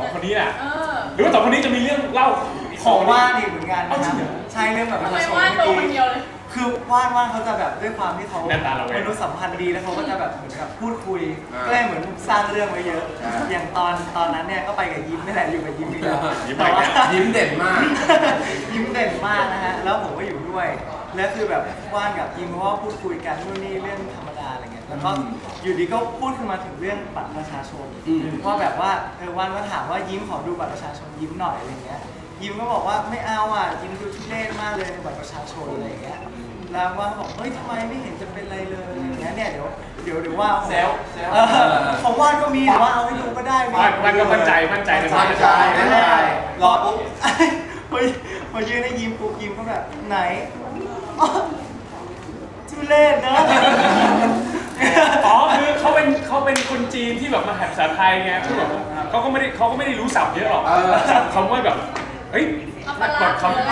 2 คนนี้อ่ะหรือว่า2 คนนี้จะมีเรื่องเล่าของว่านอีกเหมือนกันนะครับใช่เรื่องแบบประชาชนคือว่านเขาจะแบบด้วยความที่เขามนุษยสัมพันธ์ดีแล้วเขาก็จะแบบเหมือนกับพูดคุยก็เลยเหมือนสร้างเรื่องไว้เยอะอย่างตอนนั้นเนี่ยก็ไปกับยิ้มนี่แหละอยู่กับยิ้มอีกแล้วยิ้มเด่นมากยิ้มเด่นมากนะฮะแล้วผมก็อยู่ด้วยแล้วคือแบบว่านกับยิ้มเพราะว่าพูดคุยกันนู่นนี่เรื่องธรรมดาอะไรเงี้ยแล้วก็อยู่ดีก็พูดขึ้นมาถึงเรื่องบัตรประชาชนว่าแบบว่าว่านก็ถามว่ายิ้มขอดูบัตรประชาชนยิ้มหน่อยอะไรเงี้ยยิ้มก็บอกว่าไม่เอาอ่ะยิ้มดูทุเรศมากเลยในบัตรประชาชนอะไรอย่างเงี้ยแล้วว่าบอกเฮ้ยทำไมไม่เห็นจะเป็นไรเลยอย่างเงี้ยเนี่ยเดี๋ยวว่าเซลของว่านก็มีแต่ว่าเอาให้ดูก็ได้มันก็มั่นใจในมั่นใจรอปุ๊บพอยืนให้ยิ้มปุ๊บยิ้มก็แบบไหนทุเรศนะอ๋อคือเขาเป็นคนจีนที่แบบมาหัดภาษาไทยไงที่แบบเขาก็ไม่ได้รู้ศัพท์เยอะหรอกคำว่าแบบเฮ้ยกดคำ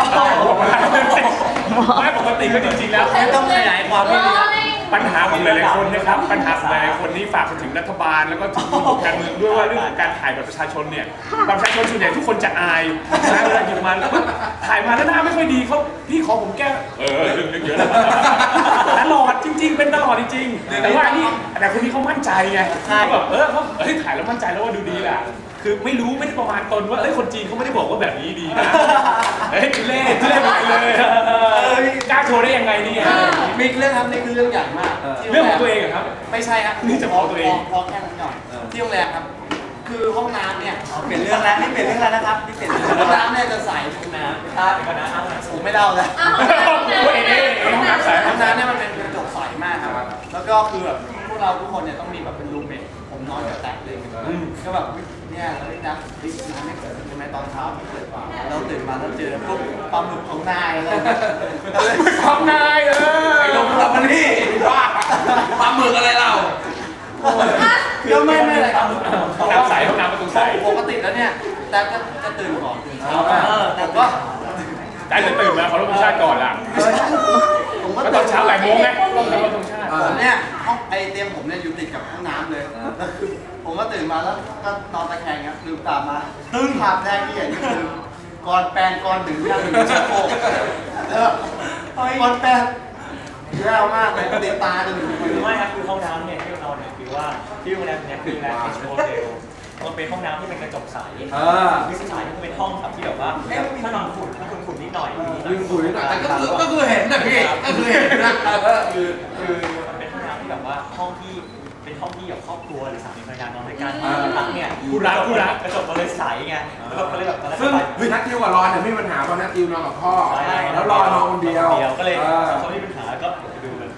ไม่ปกติก็จริงๆแล้วต้องขยายความให้ดีปัญหาของหลายๆคนนะครับปัญหาของหลายๆคนนี่ฝากไปถึงรัฐบาลแล้วก็ถึงระบบการเมืองด้วยว่าเรื่องของการถ่ายบัตรประชาชนเนี่ยบัตรประชาชนส่วนใหญ่ทุกคนจะอายนะเวลาหยิบมาแล้วถ่ายมาแล้วหน้าไม่ค่อยดีเขาพี่ขอผมแก้เรื่องเยอะแล้วตลอดจริงๆเป็นตลอดจริงๆแต่ว่าแต่คนนี้เขามั่นใจไงเขาแบบเขาถ่ายแล้วมั่นใจแล้วว่าดูดีแหละคือไม่ได้ประมาณตนว่าคนจีนเขาไม่ได้บอกว่าแบบนี้ดีนะทุเรศไปเลยกล้าโชว์ได้ยังไงนี่มีเรื่องครับนี่คือเรื่องใหญ่มากเรื่องของตัวเองครับไม่ใช่ครับนี่จะพอตัวเองพอแค่นั้นหน่อยที่โรงแรมครับคือห้องน้ำเนี่ยเป็นเรื่องแล้วนี่เป็นเรื่องแล้วนะครับนี่เป็นห้องน้ำเนี่ยจะใสห้องน้ำครับผมไม่เล่าเลยห้องน้ำใสห้องน้ำเนี่ยมันเป็นกระจกใสมากครับแล้วก็คือแบบพวกเราทุกคนเนี่ยต้องมีแบบเป็นรูมเมทผมนอนกับแตกเลยก็แบบเนี่ยเราได้นัดน้ำไม่เกิดใช่ไหมตอนเช้าเกิดว่าเราตื่นมาแล้วเจอพวกปลาหมึกของนายอะไรของนายไอ้ลงปลาหมึกนี่ว่าปลาหมึกอะไรเราก็ไม่อะไรครับห้องน้ำใสห้องน้ำประตูใสปกติแล้วเนี่ยแต่ก็จะตื่นก่อนตื่นเช้าแต่ก็ได้จะตื่นมาเขาลงชาติก่อนล่ะผมก็ตอนเช้า8 โมงไงลงตรงชาติผมเนี่ยห้องไอเตียงผมเนี่ยอยู่ติดกับห้องน้ำเลยแล้วคือผมก็ตื่นมาแล้วก็นอนตะแคงครับลืมตามาตึ้งภาพแรกที่เห็นก็คือก่อนแปรงก่อนถึงยังถึงชักโครกก่อนแปรงแย่มากเลยติดตาจนถึงไม่ครับคือห้องน้ำเนี่ยที่เราเนี่ยคือว่าที่โรงแรมเนี่ยคือโรงแรมเอชโมเดลมันเป็นห้องน้ำที่เป็นกระจกใสวิสายที่เป็นห้องแบบที่แบบว่าถ้านอนฝุ่นนิดหน่อยฝุ่นนิดหน่อยแต่ก็คือเห็นนะพี่ก็คือเห็นนะคือมันเป็นห้องน้ำที่แบบว่าห้องที่เป็นห้องที่แบบครอบครัวหรือสามีภรรยานอนด้วยกันพักเนี่ยคู่รักกระจกมันเลยใสไงก็เลยแบบซึ่งนัทติวกับรอนเนี่ยไม่มีปัญหาเพราะนัทติวนอนกับพ่อแล้วรอนอนคนเดียวก็เลยเขาไม่มีปัญหาก็ดูกัน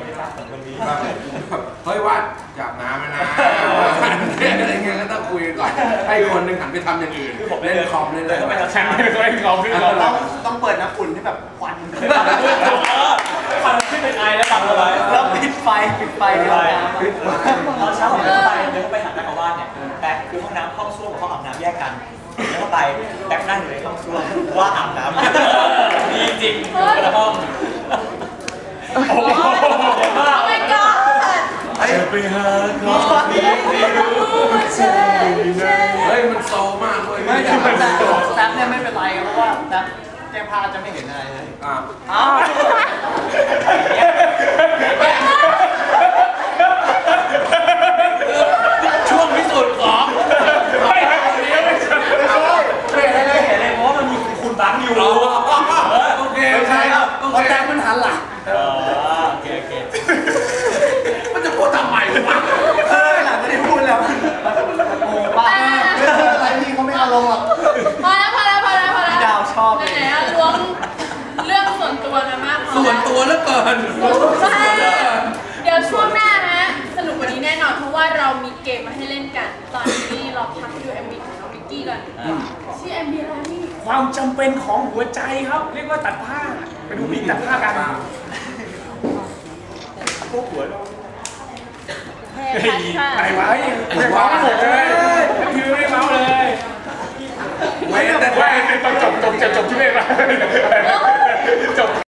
เฮ้ยว่าจับน้ำนะอะไรเงี้ยก็ต้องคุยก่อนให้คนหนึ่งหันไปทำอย่างอื่นเล่นคอมเล่นอะไรแข่งเล่นคอมต้องเปิดน้ำอุ่นที่แบบควันขึ้นเป็นไอแล้วตัดอะไรแล้วปิดไฟตอนเช้าผมเดินไปหาแม่บ้านเนี่ยแต่คือห้องน้ำห้องส้วมกับห้องอาบน้ำแยกกันแล้วก็ไปแบ็คนั่งอยู่ในห้องส้วมว่าอาบน้ำดีจริงคนละห้องโอ้ my god ไปหาของที่รู้ใจเฮ้ยมันโซมากเลยไม่แต่แซฟเนี่ยไม่เป็นไรเพราะว่าแซฟแก้ผ้าจะไม่เห็นอะไรเลยช่วงพิสูจน์ของไม่เห็นเลยเพราะมันมีคุณบังอยู่โอเคใช่ครับเพราะแซฟมันหันหลังโอเคมันจะพูดทำไมวะหลังจะได้พูดแล้วโอ้บ้าอะไรนี่เขาไม่เอาลงหรอกพอแล้วดาวชอบไหนล้วงเรื่องส่วนตัวนะมากส่วนตัวแล้วเกินเดี๋ยวช่วงหน้านะสนุกกว่านี้แน่นอนเพราะว่าเรามีเกมมาให้เล่นกันตอนนี้เราพักดู MV ของน้องมิกกี้ก่อนชื่อ MV อะไรนี่ความจำเป็นของหัวใจครับเรียกว่าตัดผ้าไปดูมิกตัดผ้ากันพวกหัวไปไว้ไม่เมาหมดเลยคือไม่เมาเลยไม่แต่ว่าเป็นตอนจบที่ไม่มาจบ